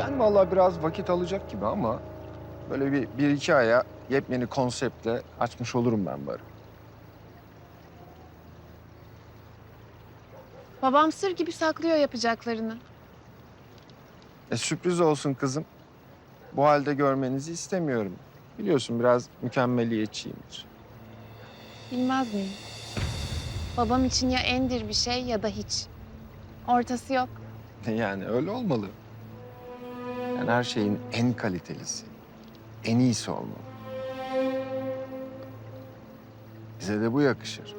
Yani vallahi biraz vakit alacak gibi ama böyle bir iki aya yepyeni konseptle açmış olurum ben barı. Babam sır gibi saklıyor yapacaklarını. Sürpriz olsun kızım. Bu halde görmenizi istemiyorum. Biliyorsun biraz mükemmeliyetçiyimdir. Bilmez miyim? Babam için ya endir bir şey ya da hiç. Ortası yok. Yani öyle olmalı. Yani her şeyin en kalitelisi, en iyisi olmalı. Bize de bu yakışır.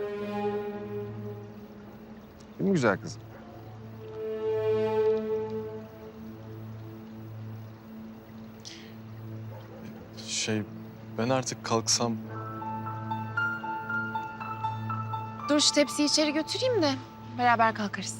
Değil mi güzel kızım? Ben artık kalksam... Dur şu tepsiyi içeri götüreyim de beraber kalkarız.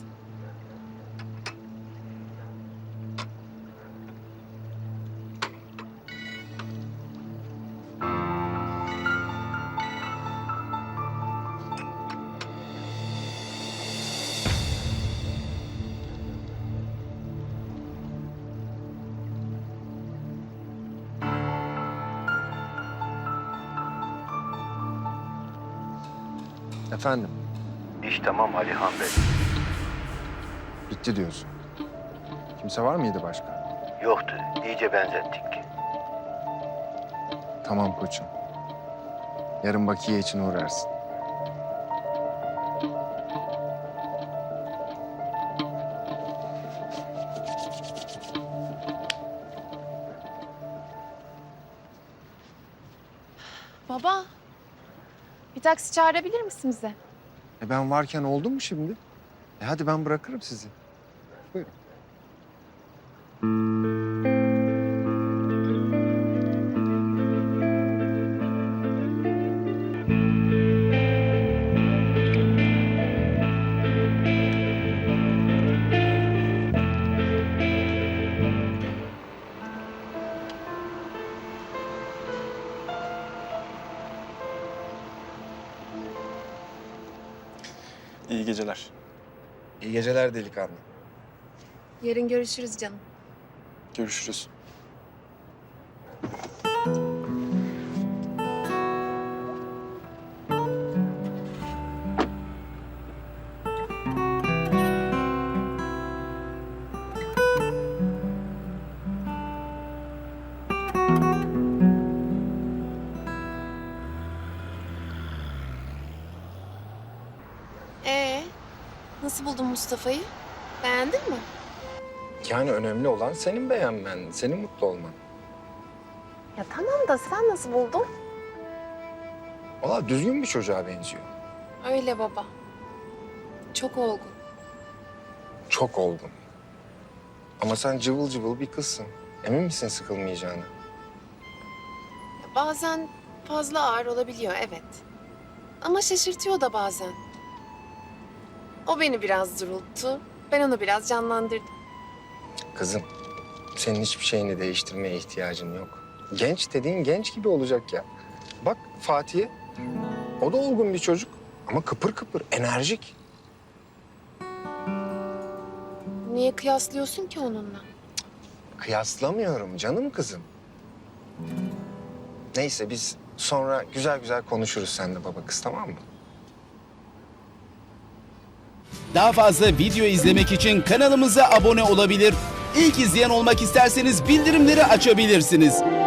Efendim, İş tamam Alihan Bey. bitti diyorsun. Kimse var mıydı başka? Yoktu. İyice benzettik. Tamam koçum. Yarın bakiye için uğrarsın. Baba, bir taksi çağırabilir misin bize? Ben varken oldu mu şimdi? Hadi ben bırakırım sizi. Buyurun. İyi geceler. İyi geceler delikanlı. Yarın görüşürüz canım. Görüşürüz. Nasıl buldun Mustafa'yı? Beğendin mi? Yani önemli olan senin beğenmen, senin mutlu olman. Ya tamam da sen nasıl buldun? Valla düzgün bir çocuğa benziyor. Öyle baba. Çok olgun. Çok olgun. Ama sen cıvıl cıvıl bir kızsın. Emin misin sıkılmayacağını? Ya bazen fazla ağır olabiliyor evet. Ama şaşırtıyor da bazen. O beni biraz durulttu. Ben onu biraz canlandırdım. Kızım, senin hiçbir şeyini değiştirmeye ihtiyacın yok. Genç dediğin genç gibi olacak ya. Bak Fatih'e, o da olgun bir çocuk ama kıpır kıpır, enerjik. Niye kıyaslıyorsun ki onunla? Kıyaslamıyorum canım kızım. Neyse biz sonra güzel güzel konuşuruz seninle baba kız, tamam mı? Daha fazla video izlemek için kanalımıza abone olabilir. İlk izleyen olmak isterseniz bildirimleri açabilirsiniz.